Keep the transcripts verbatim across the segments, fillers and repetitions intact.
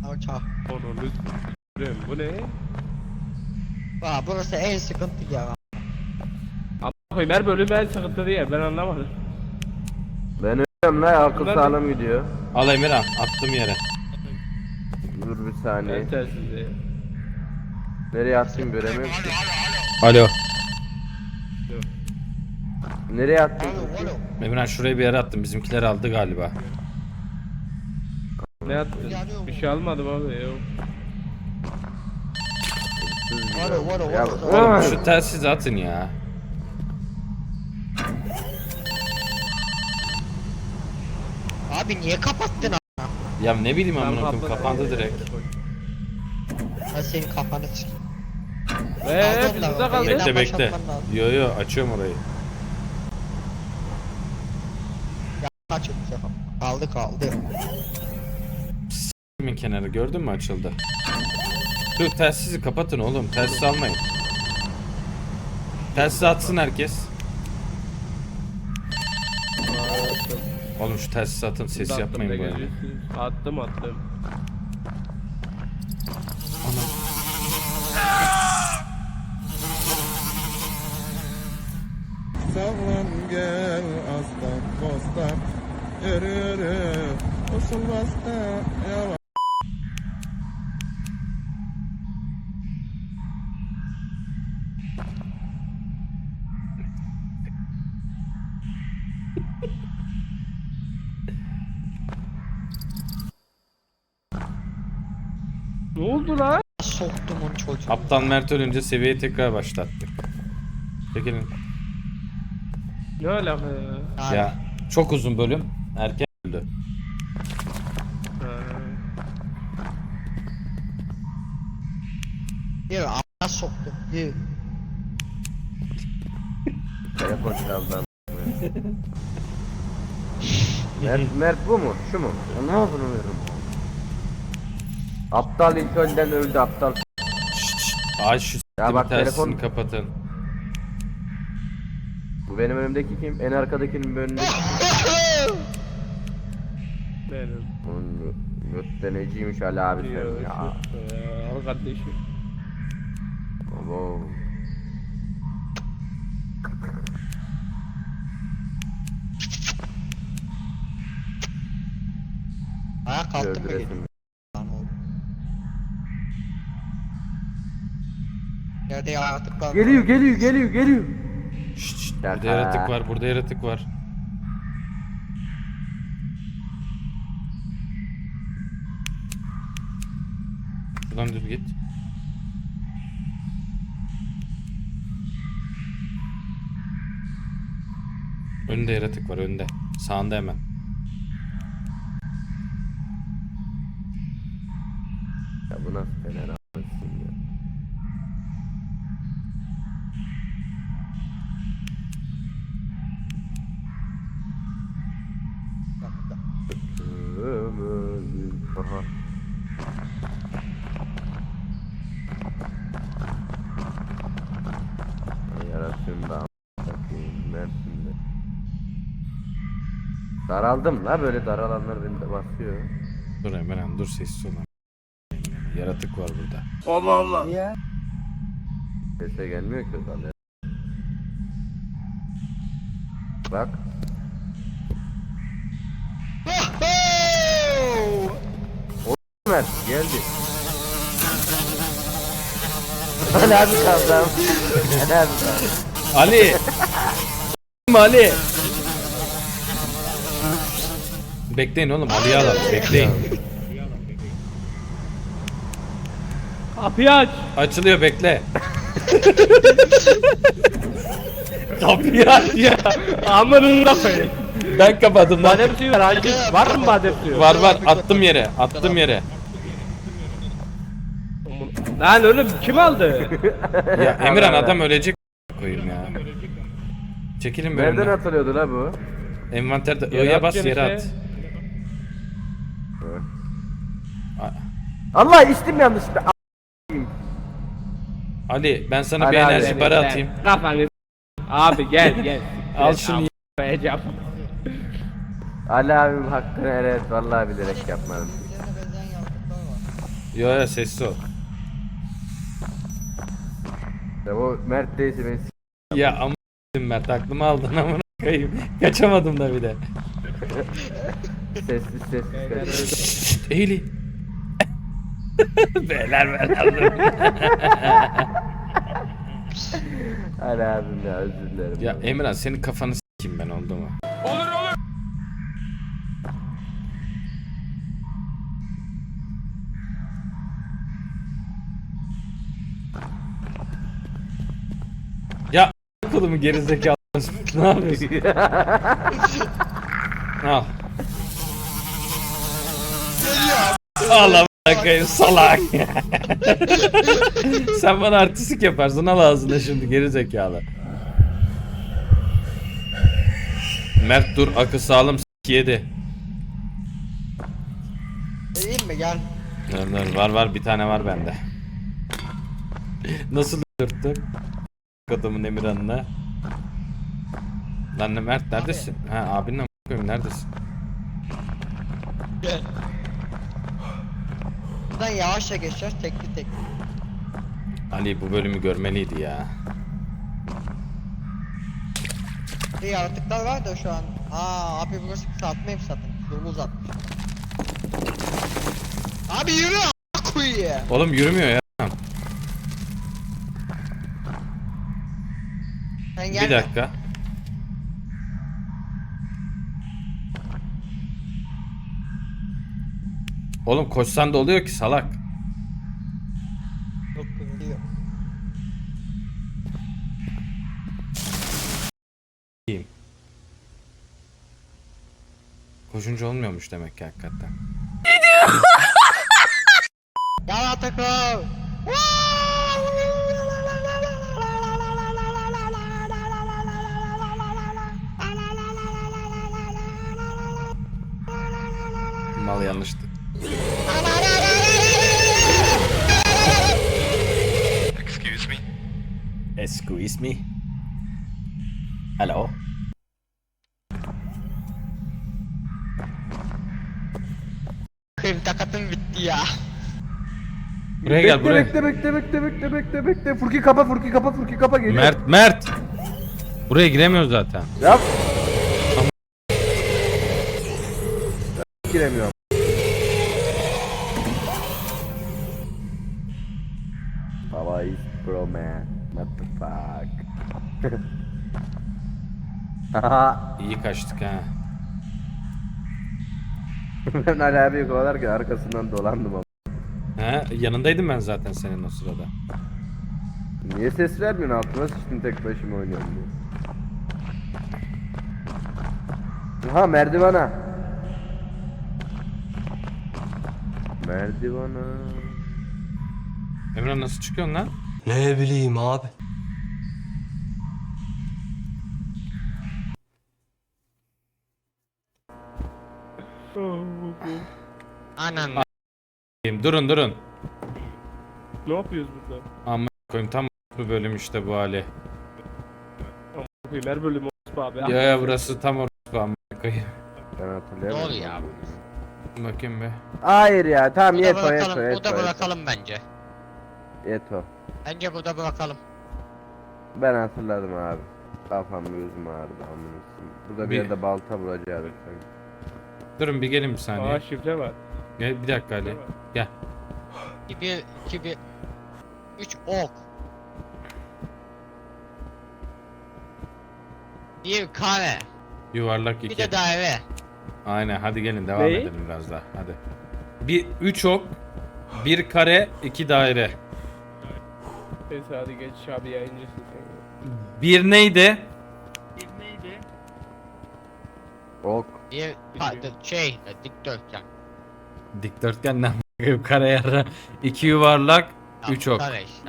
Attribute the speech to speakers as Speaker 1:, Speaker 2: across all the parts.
Speaker 1: Uçak.
Speaker 2: Onu lütfen. Bu ne?
Speaker 1: Aa, burası en sıkıntı ya.
Speaker 2: Ama koyayım her bölüm en sıkıntı değil, ben anlamadım.
Speaker 3: Ben ölüyorum la, akıl
Speaker 2: Bunlar
Speaker 3: sağlam gidiyor.
Speaker 4: Al Emirhan, attım yere.
Speaker 3: Dur bir saniye.
Speaker 2: Ben telsiz.
Speaker 3: Nereye attım göremiyorum ki.
Speaker 4: Alo.
Speaker 3: Nereye attım?
Speaker 1: Alo alo.
Speaker 4: Emirhan şuraya bir yere attım. Bizimkiler aldı galiba.
Speaker 2: Ne yaptın? Bir şey almadım abi ya.
Speaker 1: Alo alo
Speaker 3: Ya,
Speaker 1: alo.
Speaker 4: Oğlum şu telsizi atın ya.
Speaker 1: Abi niye kapattın a**?
Speaker 4: Ya ne bileyim
Speaker 2: Ben
Speaker 4: amına koyayım,
Speaker 2: kapadım.
Speaker 4: kapandı direkt.
Speaker 1: Ben senin kafanı sikeyim.
Speaker 2: Eee
Speaker 1: Pardon
Speaker 2: biz
Speaker 1: da,
Speaker 2: burada kaldık.
Speaker 1: yeniden
Speaker 4: Bekle bekle.
Speaker 1: başlatman lazım.
Speaker 4: Yo yo açıyorum orayı.
Speaker 1: Ya kaç bu sefer? Kaldı kaldı.
Speaker 4: Kimin kenarı gördün mü, açıldı. Dur telsizi kapatın oğlum, telsiz almayın. Telsiz atsın herkes. Oğlum şu telsiz atın, ses
Speaker 2: Attım
Speaker 4: yapmayın
Speaker 2: da
Speaker 4: böyle.
Speaker 2: geliyorsun. Attım attım.
Speaker 5: Sağlan gel aslan bostan yürü yürü usul basta yavaş.
Speaker 2: Ne oldu lan?
Speaker 1: Soktum onu çocuğu.
Speaker 4: Aptal Mert ölünce seviyeyi tekrar başlattık. Çekilin.
Speaker 2: Ne alaka ya?
Speaker 1: Abi,
Speaker 4: Ya çok uzun bölüm. Erken öldü.
Speaker 2: Ha.
Speaker 1: Yürü a**a soktum. Yürü.
Speaker 3: Telefon çaldı. Mert, Mert bu mu? Şu mu? Ne yapıyorum? Aptal ilk önden öldü aptal.
Speaker 4: Şşt şşt. Ay şu
Speaker 3: Ya bak,
Speaker 4: telsizini
Speaker 3: telefon-
Speaker 4: kapatın.
Speaker 3: Bu benim önümdeki kim? En arkadakinin bir önündeki.
Speaker 2: Benim.
Speaker 3: Onun göstericiymiş Ali abi sen
Speaker 2: Diyor.
Speaker 3: ya.
Speaker 2: Al kardeşim.
Speaker 3: Abo.
Speaker 1: Ayağa kalktım mı
Speaker 3: Öldüresim.
Speaker 1: geliyor? Lan oğlum. Yerde yaratıklar.
Speaker 3: Geliyor geliyor geliyor geliyor.
Speaker 4: Şşt şşt.
Speaker 3: Şaka.
Speaker 4: Burada yaratık var, burada yaratık var. Şuradan düz git. Önde yaratık var, önde. Sağında hemen.
Speaker 3: Ya bu nasıl fener a**sın ya. Ömür Aha. Ay yarabbim da a**ayım Mersin'de. Daraldım la, böyle daralanlar beni de basıyor.
Speaker 4: Dur hemen dur, sessiz ol. Yaratık var burada.
Speaker 3: Sese gelmiyor ki o zaman. Bak. Mert geldi. Ali abi kaldım. Ali abi kaldım.
Speaker 4: Ali! Ali! Bekleyin oğlum, Ali'yi alalım, bekleyin.
Speaker 2: Kapıyı aç.
Speaker 4: Açılıyor, bekle.
Speaker 2: Kapıyı aç ya. Amınına koyayım.
Speaker 4: Ben kapadım lan.
Speaker 2: Badem suyu var hacı. Var mı badem suyu?
Speaker 4: Var var, attım yere, attım yere.
Speaker 2: Lan oğlum kim aldı?
Speaker 4: Ya Emirhan, adam ölecek koyayım ya. Çekilin
Speaker 3: Nereden
Speaker 4: bölümden.
Speaker 3: atılıyordu la bu?
Speaker 4: Envanterde
Speaker 2: Yere
Speaker 4: I'ya bas,
Speaker 2: atacaksın
Speaker 4: yere
Speaker 2: işte.
Speaker 4: at. A-
Speaker 3: Allah içtim yanlışlıkla. A-
Speaker 4: Ali, ben sana
Speaker 3: Ali
Speaker 4: bir
Speaker 3: abi,
Speaker 4: enerji
Speaker 2: Sen-
Speaker 4: barı
Speaker 2: sen-
Speaker 4: atayım.
Speaker 2: Kafanı. Abi gel gel.
Speaker 4: Al
Speaker 2: Gel,
Speaker 4: şunu.
Speaker 2: al, koyacağım.
Speaker 3: Ali abim hakkını, evet vallahi bilerek yapmadım.
Speaker 1: Üzerine benzeyen yaratıklar var.
Speaker 4: Yo yo sessiz ol.
Speaker 3: Ya o Mert değilse beni s-
Speaker 4: Ya ama Mert aklımı aldın amına koyayım. Kaçamadım da bir de.
Speaker 3: sessiz sessiz sessiz.
Speaker 4: Eğili. Beyler beyler.
Speaker 3: Hadi abim ya, özür dilerim.
Speaker 4: Ya Emirhan senin kafanı s**eyim ben, oldu mu? Ya kolumu gerizekalı ne yapıyorsun? Al. Allah bakayım salak. Sen bana artistik yaparsın, al ağzına şimdi gerizekalı. Mert dur, akı sağlam s**k yedi.
Speaker 1: Vereyim mi gel.
Speaker 4: Dur dur, var var bir tane var bende. Nasıl dürttüm? Adamın Emirhan'ına. Lan ne Mert neredesin? Ha abinle m*** koyayım, neredesin?
Speaker 1: Gel. Buradan yavaşça geçeceğiz tekli tekli.
Speaker 4: Ali bu bölümü görmeliydi ya.
Speaker 1: Bir yaratıklar var da şu an. Aa abi burası kısaltmayayım zaten. Yolu uzatmış. Abi yürü a**a koyayım.
Speaker 4: Oğlum yürümüyor ya.
Speaker 1: Sen
Speaker 4: Bir
Speaker 1: gelme.
Speaker 4: dakika. Oğlum koşsan da oluyor ki salak.
Speaker 1: Yok kıvırıyor.
Speaker 4: İyiyim. Koşunca olmuyormuş demek ki hakikaten.
Speaker 1: Yaratıklar.
Speaker 4: Mal yanlıştı.
Speaker 6: Excuse me.
Speaker 4: Excuse me. Hello.
Speaker 1: Kıyım takatım bitti ya.
Speaker 4: Buraya gel,
Speaker 3: Bekle,
Speaker 4: buraya.
Speaker 3: Bekle bekle bekle bekle bekle bekle. Furki kapa Furki kapa Furki kapa geliyor.
Speaker 4: Mert Mert. Buraya giremiyoruz zaten.
Speaker 3: Yap. Giremiyorum. Baba is pro man. What the fuck? Haha.
Speaker 4: İyi kaçtık ha.
Speaker 3: Ben Ali abiyi kovalarken arkasından dolandım ama.
Speaker 4: He, yanındaydım ben zaten senin o sırada.
Speaker 3: Niye ses vermiyorsun, altına sıçtım tek başıma oynuyorum diye. Ha merdivana. Merdivana.
Speaker 4: Emre nasıl çıkıyorsun lan?
Speaker 6: Ne bileyim abi.
Speaker 1: Anan.
Speaker 4: Durun durun.
Speaker 2: Ne yapıyoruz burada?
Speaker 4: Amma koyayım, tam bu bölüm işte bu hali.
Speaker 2: Koyayım her bölüm olsun abi.
Speaker 4: Ya ya burası tam orası amma koyayım.
Speaker 3: Ben hatırlayamadım.
Speaker 1: Ne oluyor abi?
Speaker 4: Bakayım be.
Speaker 3: Hayır ya, tamam
Speaker 1: Burada
Speaker 3: yeto yeto
Speaker 1: bırakalım,
Speaker 3: yeto.
Speaker 1: burada bırakalım bence.
Speaker 3: Yeto.
Speaker 1: Bence burada bırakalım.
Speaker 3: Ben hatırladım abi. Kafam gözüm ağrıdı amına. Burada bir
Speaker 4: Bir-
Speaker 3: yerde balta bulacaktık sanki.
Speaker 4: Durun bir gelin bir saniye.
Speaker 2: Aa şifre var.
Speaker 4: Gel bir dakika Ali. Gel.
Speaker 1: bir, iki, bir. Üç ok. Bir kare.
Speaker 4: Yuvarlak
Speaker 1: Bir
Speaker 4: iki.
Speaker 1: de daire.
Speaker 4: Aynen, hadi gelin devam
Speaker 2: Ne?
Speaker 4: edelim biraz daha. Hadi. Bir üç ok, bir kare, iki daire.
Speaker 2: Neyse hadi geç abi, yayıncısın sen.
Speaker 4: Bir neydi?
Speaker 3: Ok.
Speaker 1: Bir pa- şey e, dikdörtgen.
Speaker 4: Dikdörtgen ne a**ayım, kare yarı. İki yuvarlak,
Speaker 1: Ya,
Speaker 4: üç ok.
Speaker 1: Kare işte.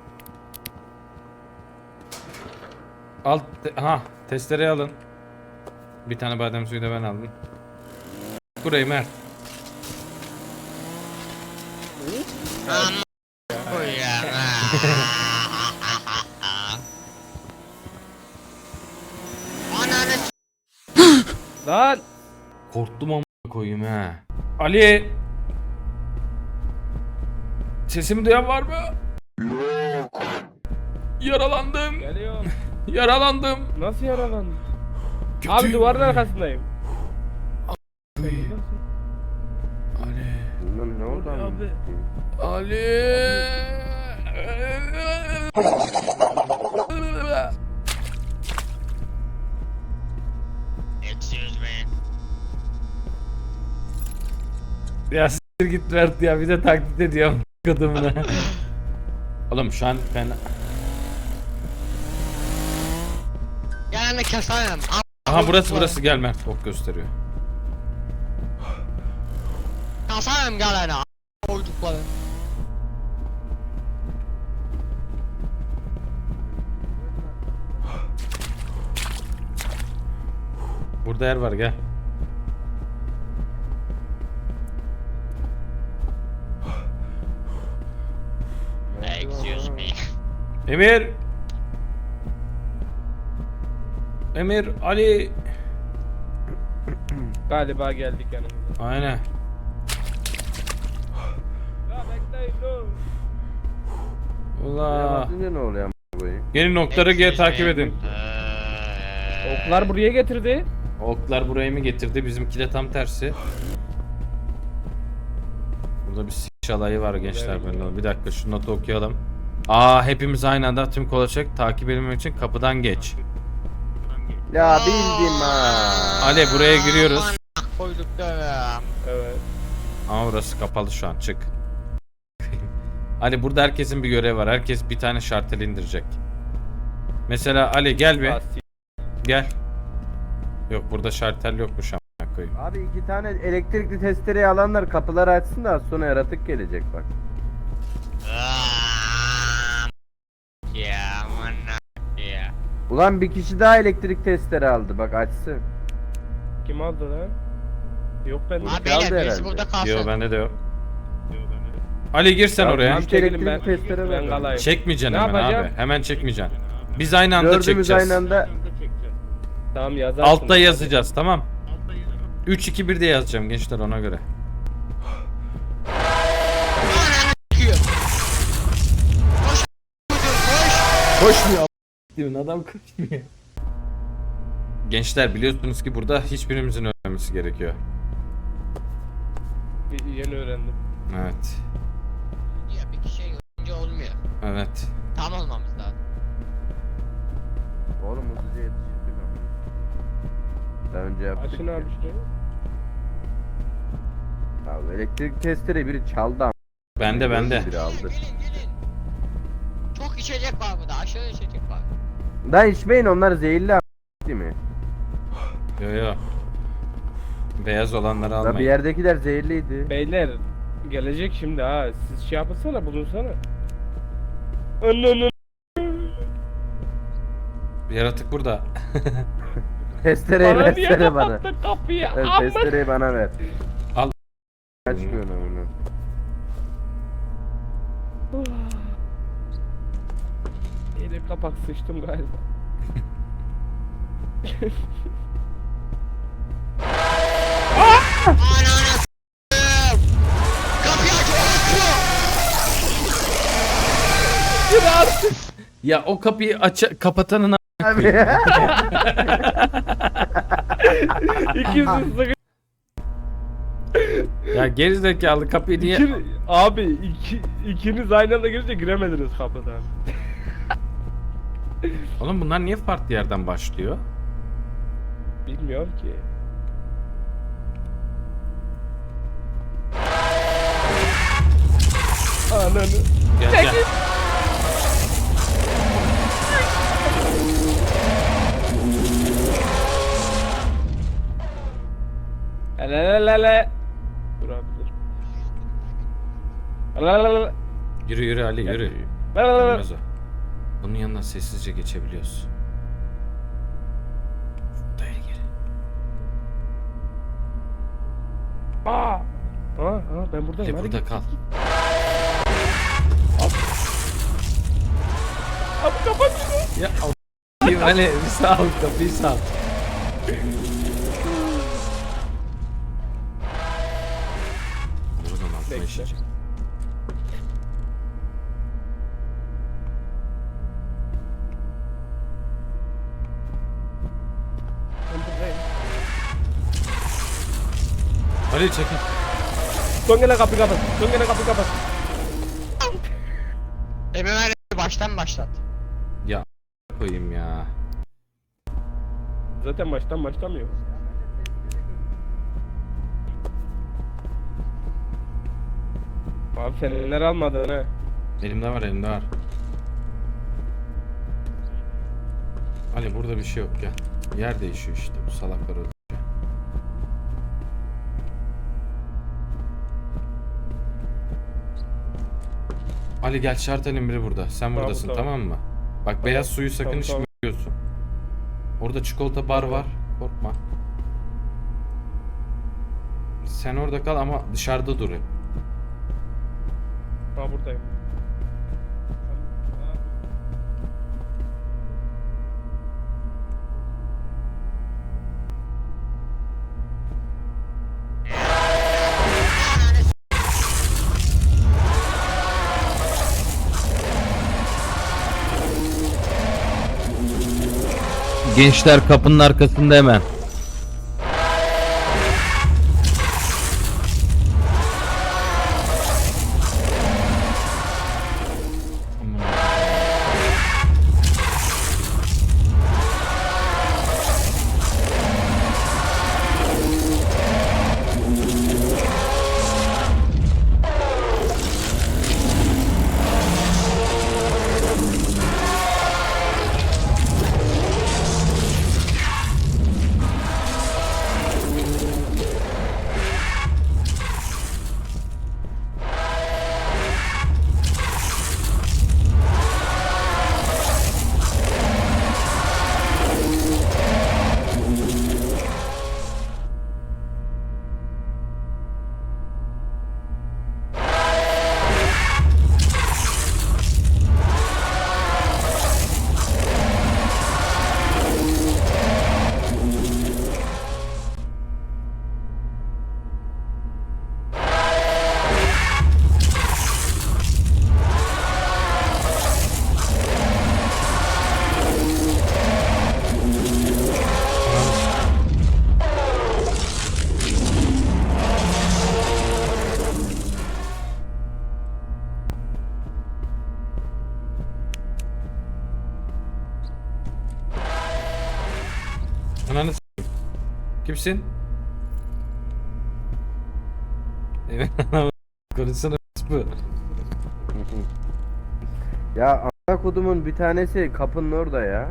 Speaker 4: Alt te- ha testereyi alın. Bir tane badem suyu da ben aldım. Burayı Mert.
Speaker 1: Aman koyayım. Ananı s-
Speaker 2: Lan!
Speaker 4: Korktum ama koyayım ha. Ali. Sesimi duyan var mı? Yok. Yaralandım.
Speaker 2: Geliyor.
Speaker 4: Yaralandım.
Speaker 2: Nasıl yaralandın?
Speaker 4: Kötü.
Speaker 2: Abi duvarın arkasındayım.
Speaker 4: Ali.
Speaker 3: Bilmem ne oldu
Speaker 2: Abi.
Speaker 4: Ali.
Speaker 1: Excuse me.
Speaker 4: Ya s**tir git Mert ya, bir de taklit ediyorum kadımına. Oğlum şu an ben...
Speaker 1: Yani keserim.
Speaker 4: Aha burası burası, gel Mert, ok gösteriyor.
Speaker 1: Keserim gelene. Koydukları.
Speaker 4: Burada yer var, gel.
Speaker 1: Excuse me.
Speaker 4: Emir. Emir, Ali.
Speaker 2: Galiba geldik yanımıza.
Speaker 4: Aynen.
Speaker 2: Ya bekleyin dur.
Speaker 4: Ula.
Speaker 3: Basınca ne oluyor a**a koyayım?
Speaker 4: Gelin okları G takip edin.
Speaker 2: Oklar buraya getirdi.
Speaker 4: Oklar burayı mı getirdi? Bizimki de tam tersi. Burada bir s**ş alayı var gençler. Ben bir dakika şu notu okuyalım. Aa, hepimiz aynı anda tüm kolaçak takip edilmek için kapıdan geç.
Speaker 3: Ya bildim ha.
Speaker 4: Ali, buraya giriyoruz.
Speaker 1: Koydukları.
Speaker 2: Evet.
Speaker 4: Ama burası kapalı şu an, çık. Ali, burada herkesin bir görevi var. Herkes bir tane şartel indirecek. Mesela Ali gel bir.
Speaker 2: Aa,
Speaker 4: Gel. Yok, burada şartel yokmuş amına koyayım.
Speaker 3: Abi iki tane elektrikli testereyi alanlar kapıları açsın da az sonra yaratık gelecek bak.
Speaker 1: Ya manna ya.
Speaker 3: Ulan bir kişi daha elektrik testere aldı bak açsın.
Speaker 2: Kim aldı lan? Yok ben.
Speaker 1: Abi
Speaker 3: Kaldı
Speaker 1: beyler birisi
Speaker 3: herhalde.
Speaker 1: burada kalsın.
Speaker 4: Yo, bende de yok. Ali gir sen
Speaker 3: Ya
Speaker 4: oraya.
Speaker 3: ben-
Speaker 2: Çekilin
Speaker 3: elektrik
Speaker 2: ben.
Speaker 3: testere
Speaker 2: Ben
Speaker 3: var.
Speaker 2: kalayım.
Speaker 4: Çekmeyeceksin
Speaker 2: Ne
Speaker 4: hemen
Speaker 2: yapacağım?
Speaker 4: abi. Hemen çekmeyeceksin. Biz aynı anda
Speaker 3: Dördümüz
Speaker 4: çekeceğiz.
Speaker 3: aynı anda.
Speaker 2: Tamam yazarsın.
Speaker 4: Altta yazacağız, tamam. üç iki bir de yazacağım gençler, ona göre.
Speaker 1: Çıkıyor. Koş.
Speaker 4: Koşmuyor. Adam koşmuyor. Gençler biliyorsunuz ki burada hiçbirimizin ölmemesi gerekiyor.
Speaker 2: Bir- Yeni öğrendim.
Speaker 4: Evet.
Speaker 1: Ya bir kişi önce olmuyor.
Speaker 4: Evet.
Speaker 1: Tam olmamız lazım.
Speaker 3: Oğlum hızlıca yetiştirdik ama. Daha önce yaptık.
Speaker 2: Açın
Speaker 3: ya.
Speaker 2: abi şurayı.
Speaker 3: Abi elektrik testere biri çaldı ama.
Speaker 4: Bende bende.
Speaker 3: Biri aldı.
Speaker 1: Gelin gelin gelin. Çok içecek var burada. Aşırı içecek var.
Speaker 3: Lan içmeyin onlar zehirli a** değil mi?
Speaker 4: Yo yo. Beyaz olanları
Speaker 3: Lan bir
Speaker 4: almayın.
Speaker 3: yerdekiler zehirliydi.
Speaker 2: Beyler gelecek şimdi ha. Siz şey yapınsana, bulunsana. Ananı.
Speaker 4: Yaratık burada.
Speaker 3: Testereyi
Speaker 2: Bana niye
Speaker 3: versene bana.
Speaker 2: kapattın kapıyı?
Speaker 3: Evet,
Speaker 2: Amma.
Speaker 3: testereyi bana ver.
Speaker 4: Al.
Speaker 3: Açmıyor onu.
Speaker 2: Yine kapak sıçtım galiba.
Speaker 1: Ananı s***im. Kapıyı aç orospu.
Speaker 4: Ya o kapıyı aç kapatanın a-
Speaker 3: Abi.
Speaker 2: İkisi sıkı.
Speaker 4: ya gerizekalı kapıyı niye?
Speaker 2: İki, abi iki, ikiniz aynı anda girince giremediniz kapıdan.
Speaker 4: Oğlum bunlar niye farklı yerden başlıyor?
Speaker 2: Bilmiyorum ki. Ananı.
Speaker 4: Gel gel.
Speaker 2: Lelelele. Dur abi dur. Lelelele.
Speaker 4: Yürü yürü Ali yürü.
Speaker 2: Lelelele.
Speaker 4: Olmaz o. Bunun yanından sessizce geçebiliyoruz. Daya gir.
Speaker 2: Aa. Aa, aa ben buradayım.
Speaker 4: Ali
Speaker 2: Hadi
Speaker 4: burada
Speaker 2: git.
Speaker 4: kal.
Speaker 2: Abi kapat şunu.
Speaker 4: Ya a- Ali bir sağ ol, kapıyı sağ ol. Buradan altıma
Speaker 2: Bekle.
Speaker 4: işecek. Ali çekil.
Speaker 2: Son gelen kapıyı kapat. Son gelen kapıyı kapat.
Speaker 1: M M R baştan başlat.
Speaker 4: Ya koyayım ya.
Speaker 2: Zaten baştan başlamıyor. Abi fenerler almadın ha.
Speaker 4: Elimde var elimde var. Ali burada bir şey yok gel. Yer değişiyor işte bu salaklar öldü. Ali gel şartelin biri burada. Sen
Speaker 2: Tamam,
Speaker 4: buradasın
Speaker 2: tamam.
Speaker 4: tamam mı? Bak beyaz suyu sakın
Speaker 2: Tamam,
Speaker 4: içmiyorsun. Orada çikolata bar var. Korkma. Sen orada kal ama dışarıda dur hep.
Speaker 2: Ha buradayım.
Speaker 4: Gençler kapının arkasında hemen. Ananı s**eyim. Kimsin? Evet. Konuşsana bu.
Speaker 3: Ya ana kodumun bir tanesi kapının orada ya.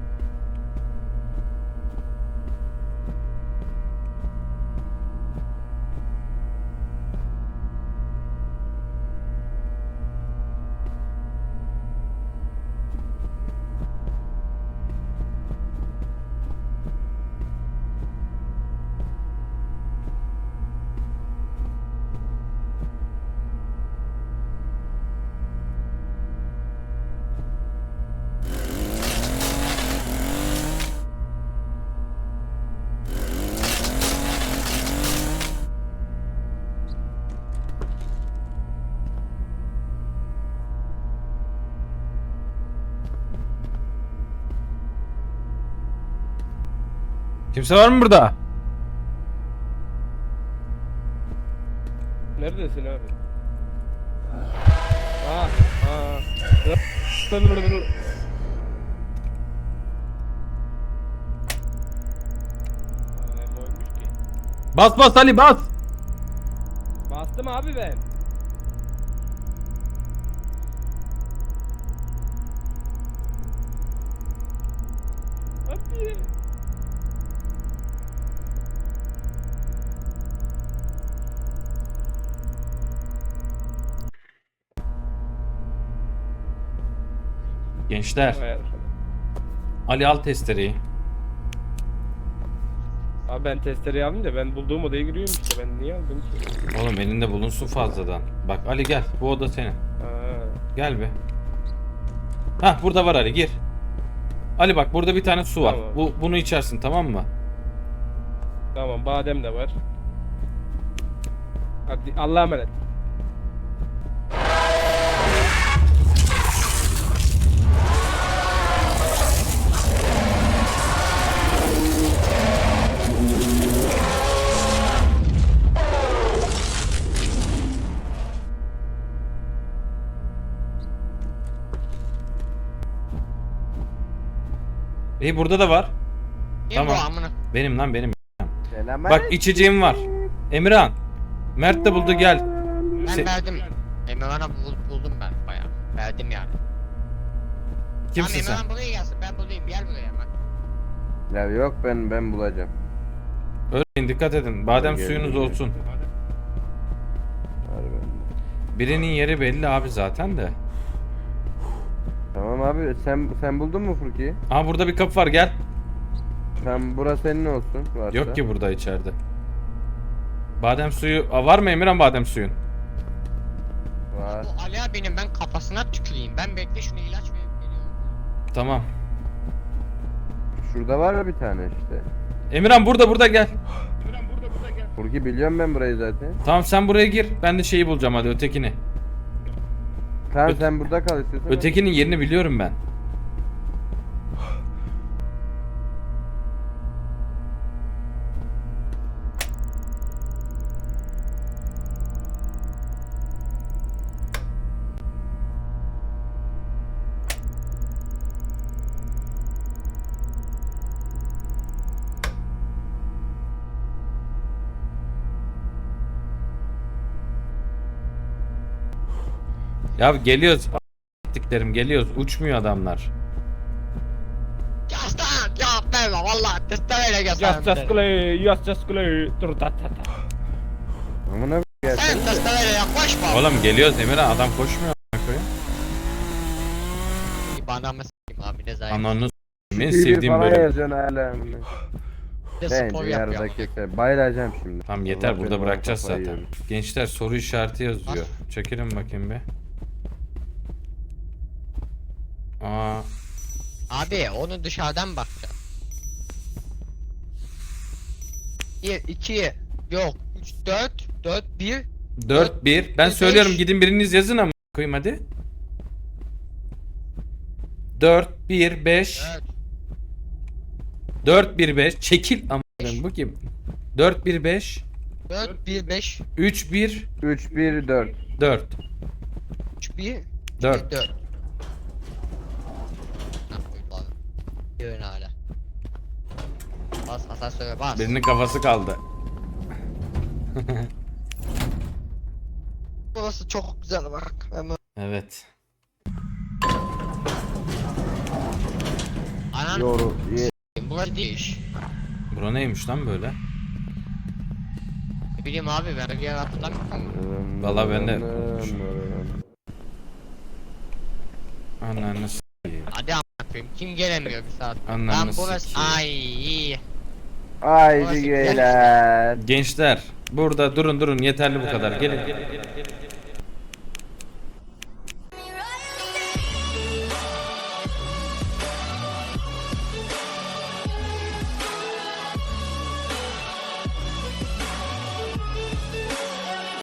Speaker 4: Kimse var mı burada?
Speaker 2: Neredesin abi? Aa, aa. Dur, dur, dur, dur. Aa, ne oymuş ki?
Speaker 4: Bas bas Ali bas.
Speaker 2: Bastım abi ben. Abi.
Speaker 4: Gençler.
Speaker 2: Vay arkadaş.
Speaker 4: Ali al testereyi.
Speaker 2: Abi ben testereyi aldım da ben bulduğum odaya giriyorum işte, ben niye aldım ki?
Speaker 4: Oğlum elinde bulunsun fazladan. Bak Ali gel bu oda senin.
Speaker 2: Aa,
Speaker 4: Gel be. Hah burada var Ali gir. Ali bak burada bir tane su var.
Speaker 2: Tamam.
Speaker 4: Bu bunu içersin tamam mı?
Speaker 2: tamam, badem de var. Hadi Allah'a emanet.
Speaker 4: İyi burada da var.
Speaker 1: Kim
Speaker 4: Tamam.
Speaker 1: bu amına?
Speaker 4: Benim lan benim.
Speaker 3: Selam
Speaker 4: Bak içeceğim var. Emirhan. Mert de buldu gel.
Speaker 1: Ben
Speaker 4: Se-
Speaker 1: verdim. Emirhan'a bul- buldum ben bayağı. Verdim yani.
Speaker 4: Kimsin
Speaker 1: Tamam,
Speaker 4: sen?
Speaker 1: Emirhan buraya gelsin, ben bulayım, gel buraya hemen.
Speaker 3: Ya yok ben ben bulacağım.
Speaker 4: Örneğin dikkat edin. Badem
Speaker 3: Gel,
Speaker 4: suyunuz
Speaker 3: gel.
Speaker 4: olsun.
Speaker 3: Var bende.
Speaker 4: Birinin yeri belli abi zaten de.
Speaker 3: Tamam abi sen sen buldun mu Furki'yi?
Speaker 4: Aha burada bir kapı var gel.
Speaker 3: Sen burası senin olsun varsa.
Speaker 4: Yok ki burada içeride. Badem suyu Aa, var mı Emirhan badem suyun?
Speaker 3: Var.
Speaker 1: Bu Ali abinin ben kafasına tüküreyim. Ben bekle şunu ilaç verip geliyorum.
Speaker 4: Tamam.
Speaker 3: Şurada var ya bir tane işte.
Speaker 4: Emirhan burada burada gel.
Speaker 3: Furki biliyorum ben burayı zaten.
Speaker 4: Tamam sen buraya gir. Ben de şeyi bulacağım hadi ötekini.
Speaker 3: Tamam
Speaker 4: Öte-
Speaker 3: sen burada kal istiyorsan.
Speaker 4: Ötekinin yerini biliyorum ben. Ya geliyoruz. A**tiklerim geliyoruz. Uçmuyor adamlar.
Speaker 1: Yaslan! Ya verme valla testereyle
Speaker 2: Just
Speaker 1: göstereyim.
Speaker 2: just play, just just play. Dur ta ta ta.
Speaker 3: Amına
Speaker 1: Sen
Speaker 3: gelsin.
Speaker 1: testereyle yaklaşma.
Speaker 4: Oğlum geliyoruz Emirhan adam koşmuyor. a**ına koyayım.
Speaker 1: Bana mı s**eyim abi ne zayıf.
Speaker 4: Ananı s**eyim, en
Speaker 3: Biri
Speaker 4: sevdiğim
Speaker 3: falan
Speaker 4: bölüm.
Speaker 3: yazıyorsun hala.
Speaker 1: Bir de spor
Speaker 3: Bence
Speaker 1: yapıyor.
Speaker 3: yarıda keser. Bayılacağım şimdi.
Speaker 4: Tamam yeter
Speaker 3: Allah
Speaker 4: burada
Speaker 3: benim
Speaker 4: bırakacağız
Speaker 3: kafayı
Speaker 4: zaten.
Speaker 3: yiyorum.
Speaker 4: Gençler soru işareti yazıyor. Çekelim bakayım bir. Aa,
Speaker 1: Abi onu dışarıdan bakacağım. bir, iki, yok, üç, dört, dört, bir,
Speaker 4: dört bir. Ben
Speaker 1: beş.
Speaker 4: söylüyorum gidin biriniz yazın ama koyayım hadi. dört bir beş.
Speaker 1: dört.
Speaker 4: dört bir beş. Çekil ama bu kim? dört bir beş.
Speaker 1: dört, bir, beş,
Speaker 4: üç bir
Speaker 3: üç bir dört.
Speaker 4: dört.
Speaker 1: üç, bir,
Speaker 4: dört.
Speaker 1: dört. Ha, buyur abi. Yön hala. Bas asansöre bas.
Speaker 4: Birinin kafası kaldı.
Speaker 1: Burası çok güzel bak. Hemen.
Speaker 4: Evet.
Speaker 1: Anan
Speaker 3: Yoru. Ye.
Speaker 1: burası değil.
Speaker 4: Bura neymiş lan böyle?
Speaker 1: Ne bileyim abi ben bir yer hatırlamıyorum.
Speaker 4: Vallahi ben de- Ananı s**eyim.
Speaker 1: Hadi a**ayım kim gelemiyor bir saat.
Speaker 4: Ananı
Speaker 1: Lan burası
Speaker 4: sikeyim.
Speaker 1: ay.
Speaker 3: Haydi
Speaker 1: Burası-
Speaker 3: geyler.
Speaker 4: Gençler burada durun durun yeterli bu kadar. Gelin.